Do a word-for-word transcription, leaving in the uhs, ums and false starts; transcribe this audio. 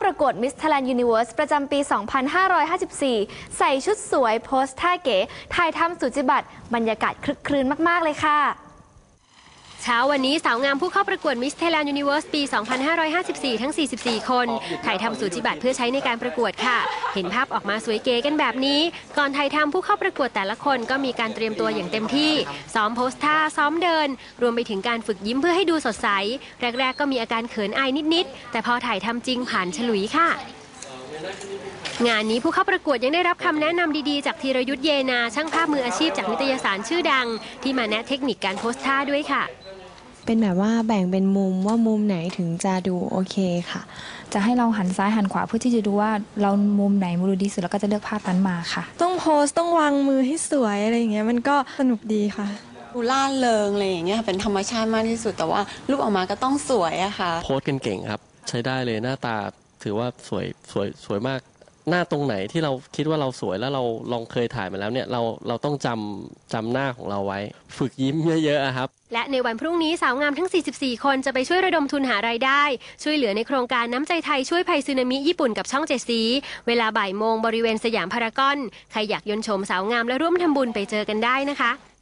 ประกวด Miss Thailand Universe ประจำปี สองพันห้าร้อยห้าสิบสี่ ใส่ชุดสวยโพสท่าเก๋ถ่ายทำสุจิบัตรบรรยากาศคลึกครื้นมากๆเลยค่ะเช้าวันนี้สาวงามผู้เข้าประกวด Miss Thailand Universe ปี สองพันห้าร้อยห้าสิบสี่ ทั้ง สี่สิบสี่ คนถ่ายทำสูจิบัตรเพื่อใช้ในการประกวดค่ะเห็นภาพออกมาสวยเก๋กันแบบนี้ก่อนถ่ายทำผู้เข้าประกวดแต่ละคนก็มีการเตรียมตัวอย่างเต็มที่ซ้อมโพสท่าซ้อมเดินรวมไปถึงการฝึกยิ้มเพื่อให้ดูสดใสแรกๆก็มีอาการเขินอายนิดๆแต่พอถ่ายทำจริงผ่านฉลุยค่ะงานนี้ผู้เข้าประกวดยังได้รับคำแนะนำดีๆจากธีรยุทธเยนาช่างภาพมืออาชีพจากนิตยสารชื่อดังที่มาแนะเทคนิคการโพสท่าด้วยค่ะเป็นแบบว่าแบ่งเป็นมุมว่ามุมไหนถึงจะดูโอเคค่ะจะให้เราหันซ้ายหันขวาเพื่อที่จะดูว่าเรามุมไหนมุมดีสุดแล้วก็จะเลือกภาพนั้นมาค่ะต้องโพสต้องวางมือให้สวยอะไรอย่างเงี้ยมันก็สนุกดีค่ะดูล่าเริงอะไรอย่างเงี้ยเป็นธรรมชาติมากที่สุดแต่ว่ารูปออกมาก็ต้องสวยอะค่ะโพสกันเก่งครับใช้ได้เลยหน้าตาถือว่าสวยสวยสวยมากหน้าตรงไหนที่เราคิดว่าเราสวยแล้วเราลองเคยถ่ายมาแล้วเนี่ยเราเราต้องจำจำหน้าของเราไว้ฝึกยิ้มเยอะๆครับและในวันพรุ่งนี้สาวงามทั้ง สี่สิบสี่ คนจะไปช่วยระดมทุนหารายได้ช่วยเหลือในโครงการน้ำใจไทยช่วยภัยสึนามิญี่ปุ่นกับช่องเจ็ดสีเวลาบ่ายโมงบริเวณสยามพารากอนใครอยากยนต์ชมสาวงามและร่วมทำบุญไปเจอกันได้นะคะ